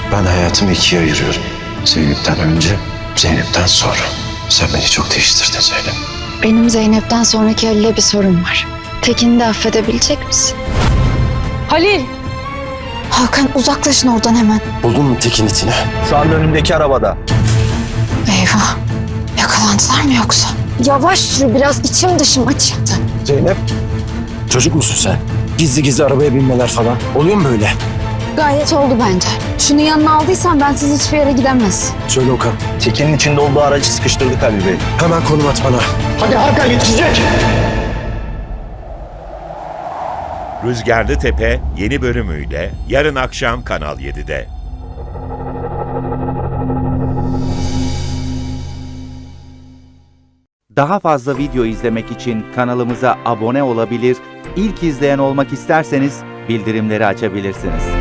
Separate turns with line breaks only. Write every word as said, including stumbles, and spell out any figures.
Ben hayatımı ikiye ayırıyorum. Zeynep'ten önce, Zeynep'ten sonra. Sen beni çok değiştirdin Zeynep.
Benim Zeynep'ten sonraki Halil'e bir sorun var. Tekin'i de affedebilecek misin?
Halil!
Hakan uzaklaşın oradan hemen.
Buldun mu Tekin itini?
Şu anda önümdeki arabada.
Eyvah. Yakalandılar mı yoksa? Yavaş sür biraz, içim dışım açıktı.
Zeynep. Çocuk musun sen? Gizli gizli arabaya binmeler falan. Oluyor mu böyle?
Gayet oldu bence. Şunu yanına aldıysan ben siz hiçbir yere gidemez.
Söyle Okan.
Tekin'in içinde olduğu aracı sıkıştırdık Halil Bey.
Hemen konum at bana.
Hadi Hakan yetişecek.
Rüzgarlı Tepe yeni bölümüyle yarın akşam Kanal yedide.
Daha fazla video izlemek için kanalımıza abone olabilir, ilk izleyen olmak isterseniz bildirimleri açabilirsiniz.